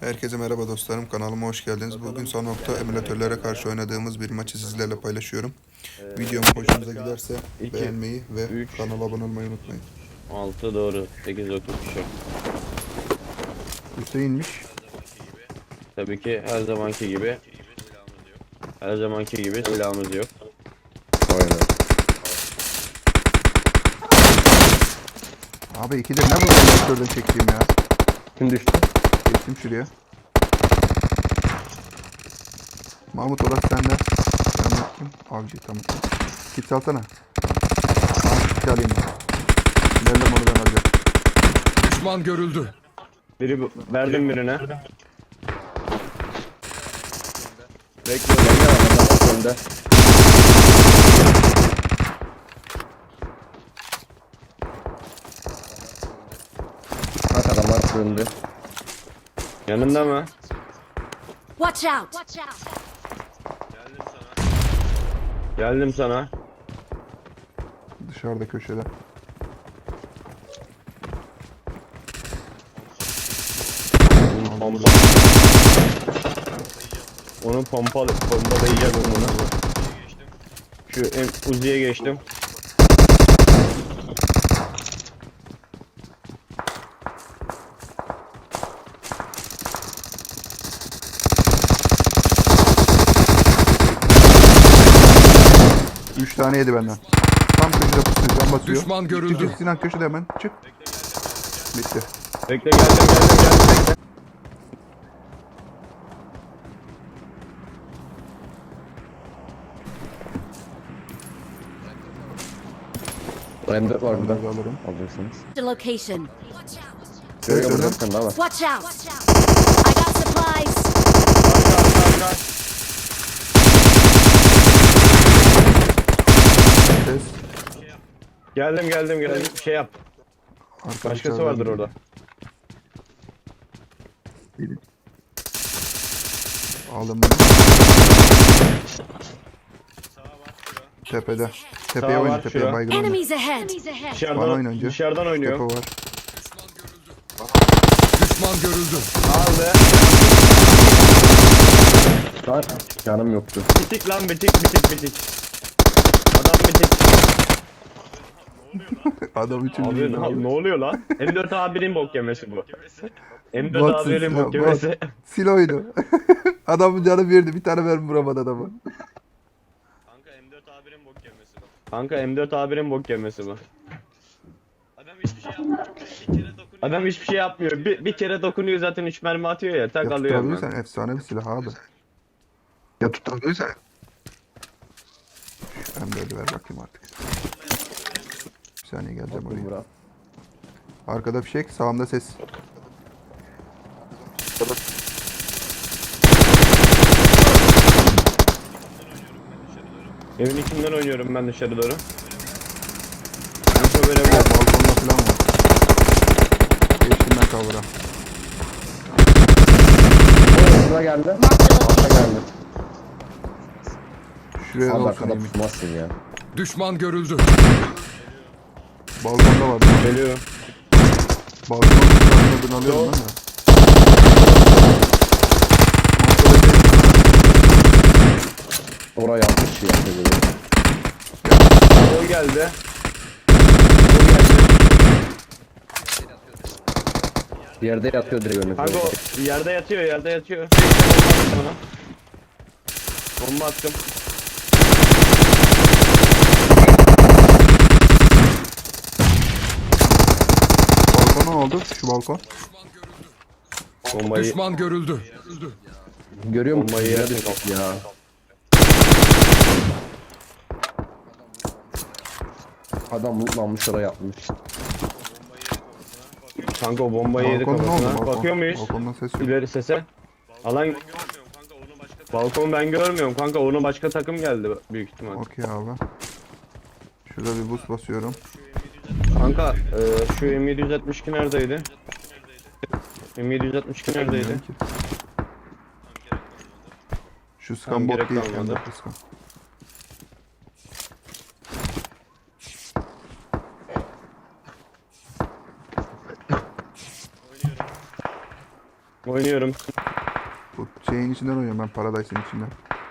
Herkese merhaba dostlarım, kanalıma hoş geldiniz. Bugün son nokta emülatörlere karşı oynadığımız bir maçı sizlerle paylaşıyorum. Videom hoşunuza giderse 2, beğenmeyi ve 3, kanala abone olmayı unutmayın. 6 doğru. 8 9 şu. Hüseyin'miş. Tabii ki her zamanki gibi. Her zamanki gibi silahımız yok. Aynen. Abi ikidir ne bu emülatörden çektiğim ya? Kim düştü? Geçtim şuraya. Mahmut orası sende. Ben yaptım. Avcı tamam. Kit salsana. Tamam kit alayım ben. Nereden onu ben alacağım. Düşman görüldü. Verdim birine. Bekle adamlar önde. Bak adamlar önde. Yanında mı? Watch out! Geldim sana. Dışarıda köşede. Pompa. Onu pompalayacağım onu. Şu Uzi'ye geçtim. Üç tane yedi benden. Tam köşede pusuyor. Can basıyor. Düşman görüldü. Çık, Sinan köşede hemen. Çık. Bitti. Bekle geldim. M4 var burada. Bunları alırım. Alacaksınız. The location. Görüyor öyle. musun? Sen daha var. Watch out! I got supplies. Ses. Geldim. Şey yap. Arkadaşlar Başkası vardır orada. Aldım bunu. Tepede. Tepeye Sağ oyna var, tepeye şura. baygın oyna. Enemies ahead! Bana oyna önce. Dışarıdan Tepe oynuyor. var. Düşman görüldü. Aldı. Lan canım yoktu. Bitik lan bitik. Adam bitik. Adam için Abi ne oluyor lan? M4 A1'in bok yemesi bu. M4 Batsın A1'in silah, bok yemesi. Sil oyunu. Adamın canı birdi. Bir tane mermi vuramadı adamı. Kanka M4 A1'in bok yemesi bu. Kanka M4 A1'in bok yemesi bu. Adam hiçbir şey yapmıyor. Adam hiçbir şey yapmıyor. Bir kere dokunuyor zaten 3 mermi atıyor ya. Tak Ya alıyor hemen. tutabiliyorsan efsane bir silah abi. Ya tutabiliyorsan. Şu M4'ü ver bakayım artık. Bir saniye geleceğim oraya. Burak. Arkada fişek, sağımda ses. Evin içinden oynuyorum ben dışarı doğru. Info veremiyorum. Balkonda falan var. Geçtim ben kavura. Sıra geldi. Altta geldi. Şuraya Abi olsun arkada yemin. pusmazsın ya. Düşman görüldü. Balkonda var. Geliyorum. Balkonda adını alıyorum ben de. Oraya yapmış şey yapıyor böyle. O geldi. Yerde yatıyor direkt önünüzde. Kanka o yerde yatıyor. Bomba attım. Balkona ne oldu? Şu balkon. Bombayı Düşman görüldü. Görüyor musun? Bombayı Yere yersin. düştük ya. Adam lootlanmış oraya yapmış. Kanka o bombayı yedi Balkon ne oldu? kafasına. Balkon. Bakıyor muyuz? Balkondan ses yok. İleri sese. Alan balkon ben görmüyorum kanka, onu başka takım geldi büyük ihtimal. Okey abi. Şurada bir boost basıyorum. Kanka şu M762 neredeydi? M762 neredeydi? Bilmiyorum ki. Şu Tamam, scan bot gerek değil. kalmadı. M4 scan. Oynuyorum. Bu şeyin içinden oynuyorum ben, Paradise'in içinden.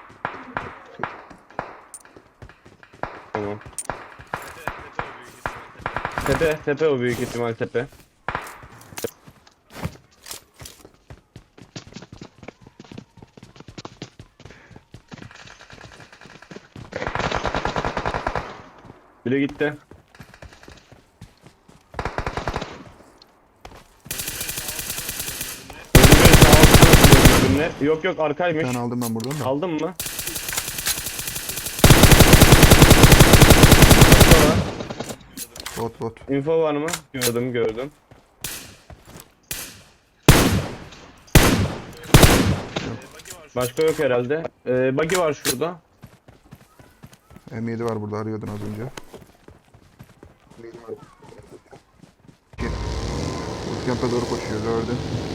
Tamam. Tepe o büyük ihtimal tepe. Biri gitti. Yok yok Bir arkaymış. tane aldım ben buradan da. Aldın mı? Bot. Info var mı? Gördüm. Başka yok herhalde. Buggy var şurada. M7 var burada, arıyordun az önce. Bootcamp'e doğru koşuyor, gördün.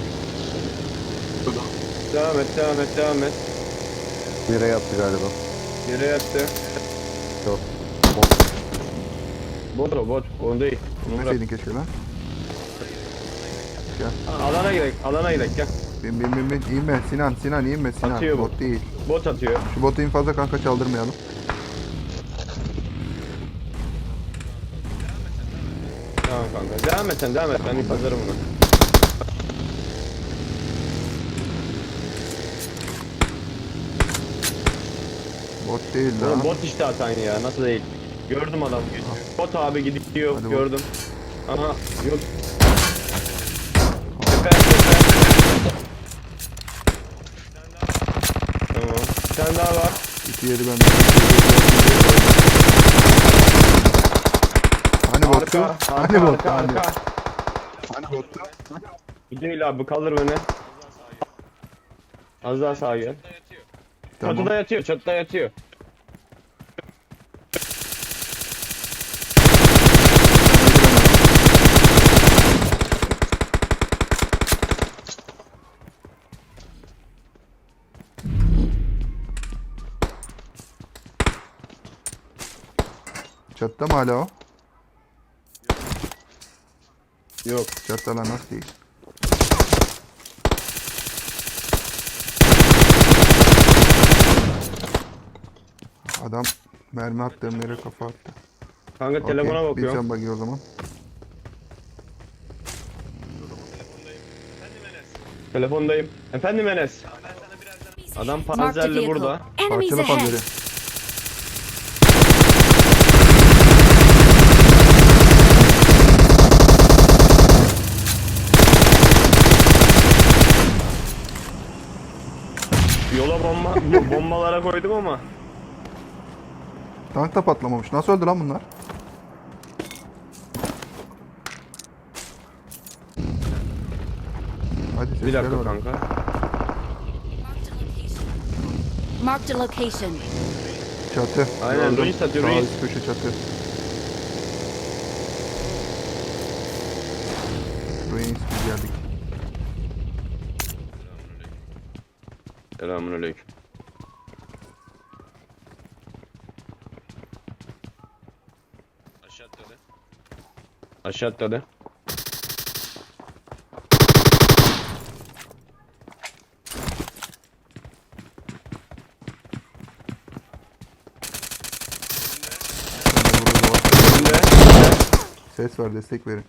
Devam et. Bire yattı galiba. Yere yattı. Yok. Bot. Onu değil. Onu bırak. Gitmeseydin keşke lan. Alana gidelim gel. Bin. İnme Sinan inme Sinan. Atıyor bu. Bot değil. Bot atıyor. Şu botu en fazla kanka çaldırmayalım. Tamam kanka. Devam et. Ben pazarım bunu. Bot değil Oğlum lan. bot işte atan ya. Nasıl değil? Gördüm adam geçiyor. Bot abi gidiyor. Hadi bot. Gördüm. Aha yok. Tepe. Tamam. Bir tane daha var. İki yeri benden. Hani bottu? Hani bottu? Hani bottu? Gidiyor abi kaldır beni. Az daha sağa gel. Tamam. Çatıda yatıyor. Çatıda mı hala o? Yok. Çatıda lan, nasıl değil? Adam mermi attığım yere kafa attı. Kanka telefona Okey, bakıyorum. Bir can bakıyor o zaman. Telefondayım. Efendim Enes. Adam Marked a panzerli vehicle. burada. Enemies Parçalı ahead. panzeri. Yola bombalara koydum ama. Tank da patlamamış. Nasıl öldü lan bunlar? Hadi Bir sesler dakika var. kanka. Marked a location. Çatı. Aynen, Gördüm. ruins atıyor, Sağ ruins. üst köşe çatı. Ruins biz geldik. Selamünaleyküm. Aşağı atladı. Burada var. Önünde. Ses var, destek verin.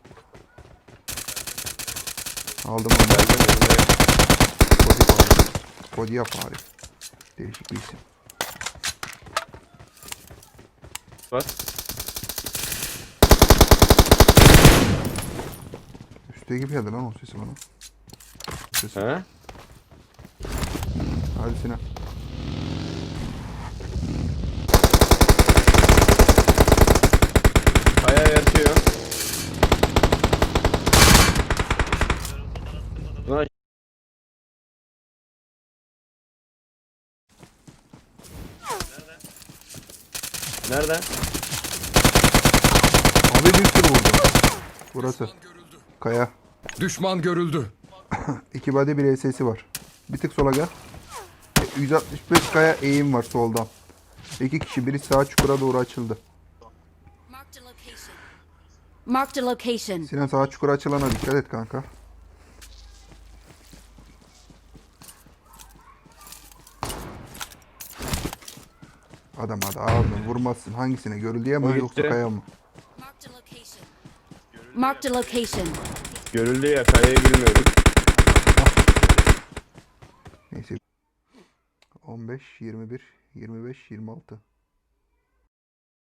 Aldım onu. Kodi fare. Kodiya fare. Değişik bir isim. Bak. Üstte gibi geldi lan o sesi bana. Sesi. He? Hadi Sinan. Ayağa yatıyor. Lan. Nerede? Abi bir sürü vurdu. Burası. Kaya. Düşman görüldü. 2 body bir SS'i var. Bir tık sola gel. 165 kaya eğim var soldan. 2 kişi, biri sağ çukura doğru açıldı. Marked a location. Marked a location. Sinan, sağ çukura açılana dikkat et kanka. Adam hadi ağzını vurmazsın. Hangisine? Görüldüye mi O yoksa gitti. kaya mı? Marked a location. Marked a location. Görüldü ya, kayayı bilmiyorduk. Neyse. 15, 21, 25, 26.